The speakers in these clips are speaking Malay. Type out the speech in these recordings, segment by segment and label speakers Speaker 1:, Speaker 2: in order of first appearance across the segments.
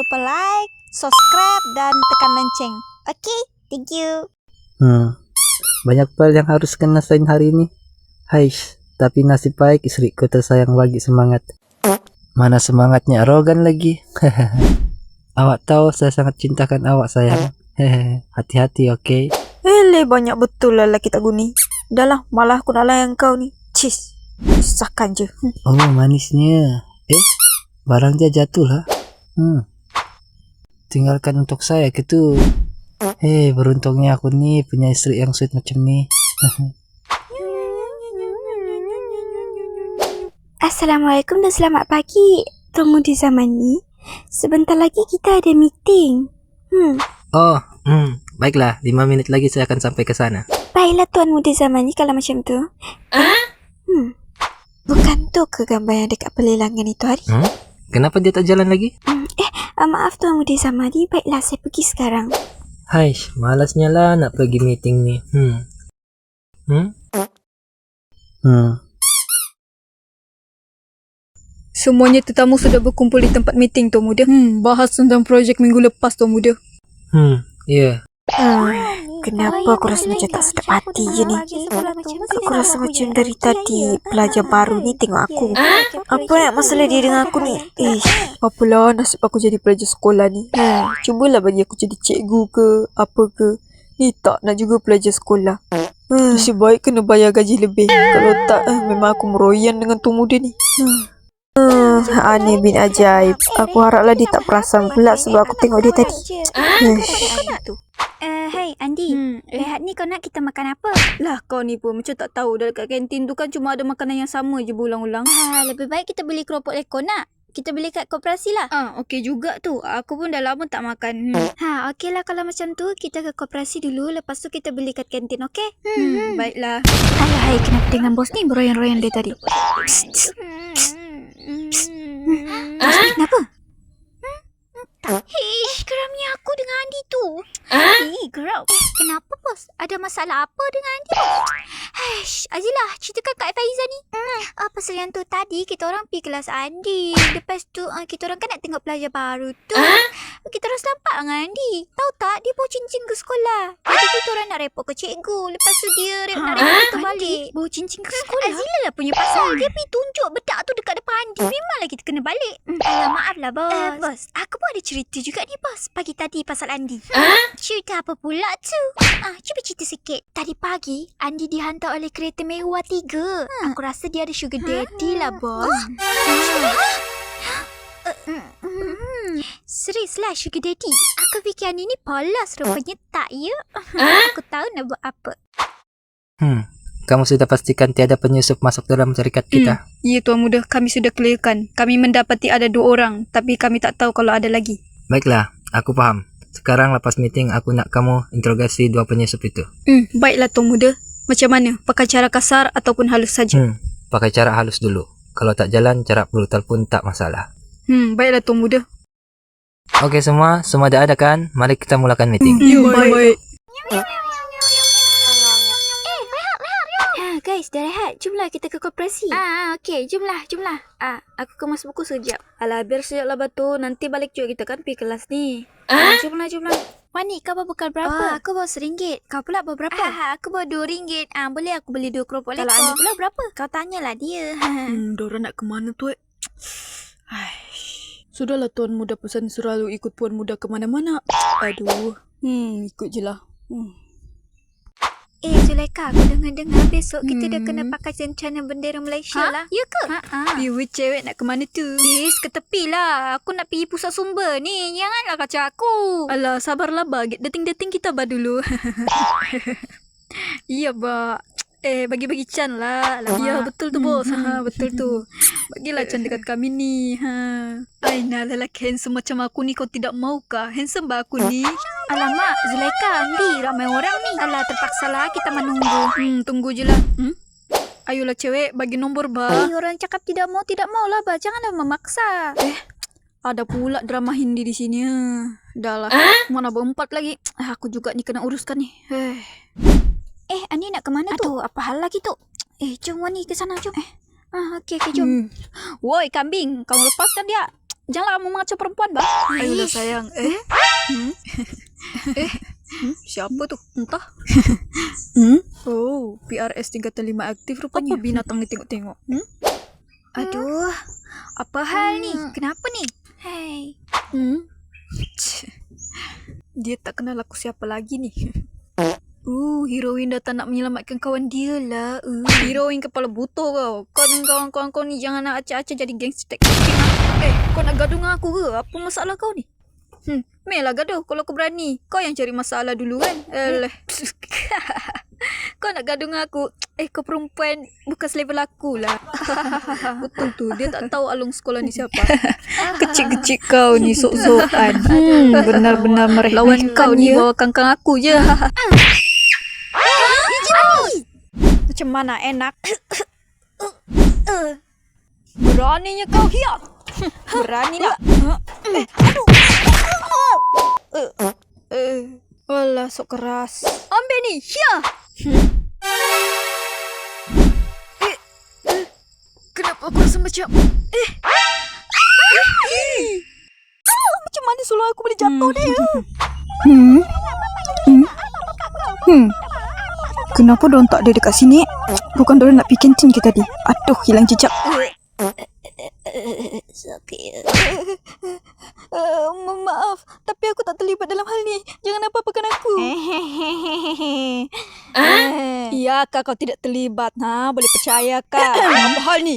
Speaker 1: lupa like, subscribe, dan tekan lonceng. Okay, thank you.
Speaker 2: Banyak hal yang harus kena selain hari ini. Haish, tapi nasib baik istriku tersayang bagi semangat. Mana semangatnya arogan lagi. Awak tahu saya sangat cintakan awak sayang. Hati-hati, okay?
Speaker 1: Banyak betul lah lelaki tak guni. Dah lah, malah aku nak layan kau ni. Cis, susahkan je.
Speaker 2: Oh, manisnya. Barang dia jatuh lah. Tinggalkan untuk saya gitu. Beruntungnya aku nih punya istri yang sweet macam ni.
Speaker 3: Assalamualaikum dan selamat pagi, Tuan Muda Zamani. Sebentar lagi kita ada meeting.
Speaker 2: Baiklah, 5 minit lagi saya akan sampai ke sana.
Speaker 3: Baiklah Tuan Muda Zamani kalau macam tu. Bukan tu ke gambar yang dekat pelelangan itu hari?
Speaker 2: Kenapa dia tak jalan lagi?
Speaker 3: Maaf Tuan Muda Zamani, baiklah saya pergi sekarang.
Speaker 2: Haish, malasnya lah nak pergi meeting ni.
Speaker 4: Semuanya tetamu sudah berkumpul di tempat meeting, Tuan Muda. Bahas tentang projek minggu lepas, Tuan Muda.
Speaker 2: Ya.
Speaker 3: Kenapa aku rasa macam tak sedap hati je ni? Aku rasa macam dari tadi pelajar baru ni tengok aku. Apa nak masalah dia dengan aku ni?
Speaker 4: Apalah nasib aku jadi pelajar sekolah ni. Cubalah bagi aku jadi cikgu ke, apa ke. Ni tak nak juga pelajar sekolah. Nasib baik kena bayar gaji lebih. Kalau tak, memang aku meroyan dengan Tuan Muda ni.
Speaker 3: Aneh bin ajaib. Aku haraplah dia tak perasan pula sebab aku tengok dia tadi.
Speaker 5: Hey Andi, rehat ni kau nak kita makan apa?
Speaker 4: Lah kau ni pun macam tak tahu dah dekat kantin tu kan cuma ada makanan yang sama je berulang-ulang.
Speaker 5: Lebih baik kita beli keropok lekor nak. Kita beli kat koperasi lah.
Speaker 4: Okey juga tu. Aku pun dah lama tak makan.
Speaker 5: Okey lah kalau macam tu kita ke koperasi dulu. Lepas tu kita beli kat kantin, okey?
Speaker 4: Baiklah.
Speaker 5: Hai, kenapa dengan bos ni beroyan-royan dia tadi? Kenapa? Geramnya aku dengan Andi tu. Geram. Kenapa bos? Ada masalah apa dengan Andi? Azilah, ceritakan Kak Faiza ni. Pasal yang tu tadi kita orang pergi kelas Andi. Lepas tu kita orang kan nak tengok pelajar baru tu. Kita orang selampak dengan Andi. Tahu tak dia bawa cincin ke sekolah. Jadi kita orang nak report ke cikgu. Lepas tu dia nak report kita balik.
Speaker 4: Bawa cincin ke sekolah?
Speaker 5: Azilah lah punya pasal. Dia pergi tunjuk bedak tu dekat depan Andi. Memanglah kita kena balik. Maaf lah bos. Bos, aku pun ada cerita juga ni bos. Pagi tadi pasal Andi. Cerita apa pula tu? Cuba cerita sikit. Tadi pagi Andi dihantar oleh kereta mewah 3. Aku rasa dia ada sugar daddy lah bos. Serius lah sugar daddy. Aku fikir Andi ni polos. Rupanya tak ya. Aku tahu nak buat apa.
Speaker 2: Kamu sudah pastikan tiada penyusup masuk dalam syarikat kita?
Speaker 4: Ya Tuan Muda, kami sudah clearkan. Kami mendapati ada 2 orang. Tapi kami tak tahu kalau ada lagi.
Speaker 2: Baiklah, aku faham. Sekarang lepas meeting aku nak kamu interogasi 2 penyusup itu.
Speaker 4: Baiklah Tuan Muda. Macam mana? Pakai cara kasar ataupun halus saja?
Speaker 2: Pakai cara halus dulu. Kalau tak jalan, cara brutal pun tak masalah.
Speaker 4: Baiklah Tuan Muda.
Speaker 2: Okey semua dah ada kan? Mari kita mulakan meeting.
Speaker 4: Baik.
Speaker 5: Guys, dah rehat. Jomlah kita ke koperasi. Okey, jomlah.
Speaker 4: Aku kemas buku sekejap. Alah, biar sekejap lah batu. Nanti balik juga kita kan pergi kelas ni. Jomlah.
Speaker 5: Wani, kau bawa bekal berapa? Aku bawa RM1. Kau pula bawa berapa? Aku bawa RM2. Boleh aku beli 2 keropok lekor.
Speaker 4: Kalau Andi
Speaker 5: pula berapa? Kau tanyalah dia.
Speaker 4: Diorang nak ke mana tu? Sudahlah Tuan Muda pesan selalu ikut Puan Muda ke mana-mana. Aduh. Ikut je lah.
Speaker 5: Zulaika, aku dengar besok kita dah kena pakai rencana bendera Malaysia lah. Ya ke?
Speaker 4: You cewek nak ke mana tu?
Speaker 5: Ke tepi lah. Aku nak pergi pusat sumber ni. Janganlah kacau aku.
Speaker 4: Alah, sabarlah ba. Dating-dating kita ba dulu. Iya ba. Bagi-bagi Chan lah. Ya, betul tu bos. Betul tu. Bagilah Chan dekat kami ni. Aina lelaki handsome macam aku ni kau tidak maukah? Handsome ba aku ni?
Speaker 5: Alamak, Zulaika, Andi, ramai orang ni. Alah, terpaksalah kita menunggu.
Speaker 4: Tunggu je lah. Ayolah cewek, bagi nombor ba.
Speaker 5: Orang cakap tidak mau lah ba. Janganlah memaksa.
Speaker 4: Ada pula drama Hindi di sini. Dah lah. Mana berempat lagi. Aku juga ni kena uruskan ni.
Speaker 5: Andi nak ke mana tu?
Speaker 3: Aduh, apa hal lagi tu?
Speaker 5: Jom Wani ke sana, jom. Okey, jom.
Speaker 4: Woi kambing, kau lepaskan dia.
Speaker 3: Janganlah kamu mengacau perempuan, bah.
Speaker 4: Ayolah sayang. Siapa tuh? Entah. Oh, PRS tingkatan 5 aktif rupanya. Apa binatang ni tengok-tengok?
Speaker 5: Aduh, apa hal ni? Kenapa ni? Hei.
Speaker 4: Dia tak kenal aku siapa lagi ni. Heroin datang nak menyelamatkan kawan dia lah. Heroin kepala butuh kau. Kau dan kawan-kawan kau ni jangan nak acak-acak jadi gangster. Kau nak gaduh dengan aku ke? Apa masalah kau ni? Melah gaduh kalau kau berani. Kau yang cari masalah dulu kan? Kau nak gaduh dengan aku. Kau perempuan bukan selevel aku lah. Betul tu. Dia tak tahu alung sekolah ni siapa. Kecil-kecil kau ni sok-sokan.
Speaker 3: Benar-benar meremehkan
Speaker 4: Lawan kau ni bawa kangkang aku je.
Speaker 3: Macam mana enak?
Speaker 4: Beraninya kau hiat.
Speaker 3: Beranilah. Walah, sok keras.
Speaker 4: Ambil ni. Hiat. Kenapa aku rasa macam macam mana suluh aku boleh jatuh dia?
Speaker 3: Kenapa diorang tak ada dekat sini? Bukan diorang nak pergi kantin ke tadi? Aduh, hilang jejak.
Speaker 5: Sakit.
Speaker 4: Maaf, tapi aku tak terlibat dalam hal ni. Jangan apa-apakan aku. Ya, kau tidak terlibat. Boleh percaya kah? Apa hal ni?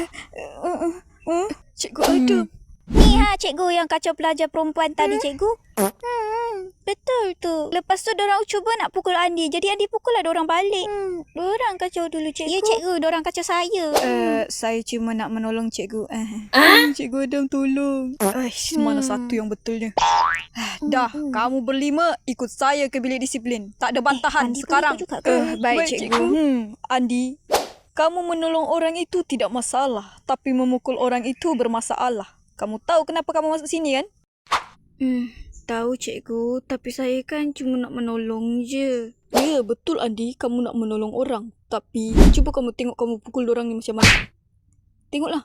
Speaker 4: Cikgu Adam.
Speaker 5: Ni cikgu yang kacau pelajar perempuan tadi, cikgu. Betul tu. Lepas tu dorang cuba nak pukul Andi. Jadi Andi pukul lah dorang balik. Dorang kacau dulu, cikgu. Ya, cikgu. Dorang kacau saya.
Speaker 4: Saya cuma nak menolong cikgu. Cikgu Adam tolong. Mana satu yang betulnya? Dah, kamu berlima ikut saya ke bilik disiplin. Tak ada bantahan
Speaker 5: Andi pun
Speaker 4: sekarang.
Speaker 5: ikut juga ke?
Speaker 4: Baik, cikgu. Andi, kamu menolong orang itu tidak masalah. Tapi memukul orang itu bermasalah. Kamu tahu kenapa kamu masuk sini kan? Tahu cikgu, tapi saya kan cuma nak menolong je. Ya, betul Andi, kamu nak menolong orang. Tapi cuba kamu tengok kamu pukul orang ni macam mana. Tengoklah.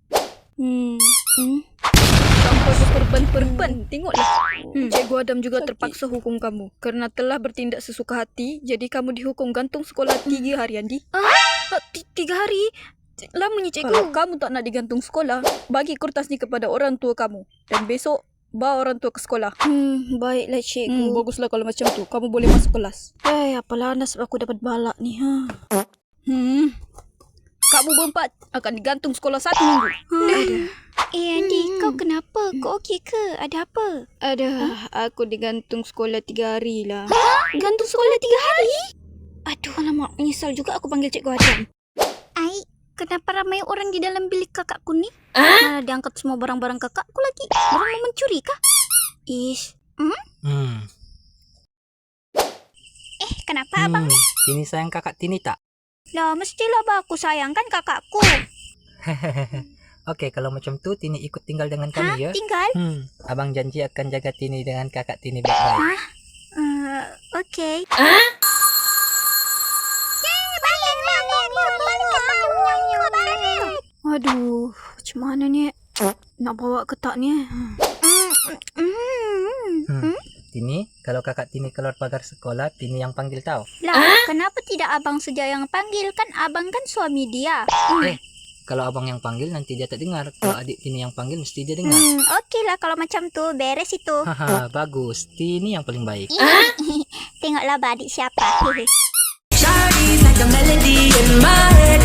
Speaker 4: Sampai berperban-perban. Tengoklah. Cikgu Adam juga terpaksa hukum kamu. Kerana telah bertindak sesuka hati, jadi kamu dihukum gantung sekolah 3 hari, Andi. 3 hari? Lamanya cikgu. Kalau kamu tak nak digantung sekolah, bagi kertas ni kepada orang tua kamu. Dan besok, bawa orang tua ke sekolah.
Speaker 3: Baiklah, cikgu.
Speaker 4: Baguslah kalau macam tu. Kamu boleh masuk kelas.
Speaker 3: Apalah nasib aku dapat balak ni.
Speaker 4: Kamu berempat akan digantung sekolah 1 minggu.
Speaker 5: Andi, kau kenapa? Kau okey ke? Ada apa?
Speaker 4: Aku digantung sekolah 3 hari lah.
Speaker 5: Gantung sekolah 3 hari?
Speaker 3: Aduh, alamak. Menyesal juga aku panggil cikgu Adam.
Speaker 5: Kenapa ramai orang di dalam bilik kakakku ni? Mana diangkat semua barang-barang kakakku lagi? Orang mau mencuri kah? Kenapa abang ni?
Speaker 2: Tini sayang kakak Tini tak?
Speaker 5: Lah, mestilah bah aku sayangkan kakakku.
Speaker 2: Okey, kalau macam tu Tini ikut tinggal dengan kami ya.
Speaker 5: Tinggal?
Speaker 2: Abang janji akan jaga Tini dengan kakak Tini baik-baik.
Speaker 5: Okey.
Speaker 3: Aduh, macam mana ni? Nak bawa ke tak ni?
Speaker 2: Tini, kalau kakak Tini keluar pagar sekolah, Tini yang panggil tau.
Speaker 5: Lah, kenapa tidak abang saja yang panggil? Kan abang kan suami dia.
Speaker 2: Kalau abang yang panggil nanti dia tak dengar. Kalau adik Tini yang panggil mesti dia dengar.
Speaker 5: Okeylah kalau macam tu. Beres itu.
Speaker 2: Bagus. Tini yang paling baik.
Speaker 5: Tengoklah adik siapa.
Speaker 6: Shawty's like a melody in my head.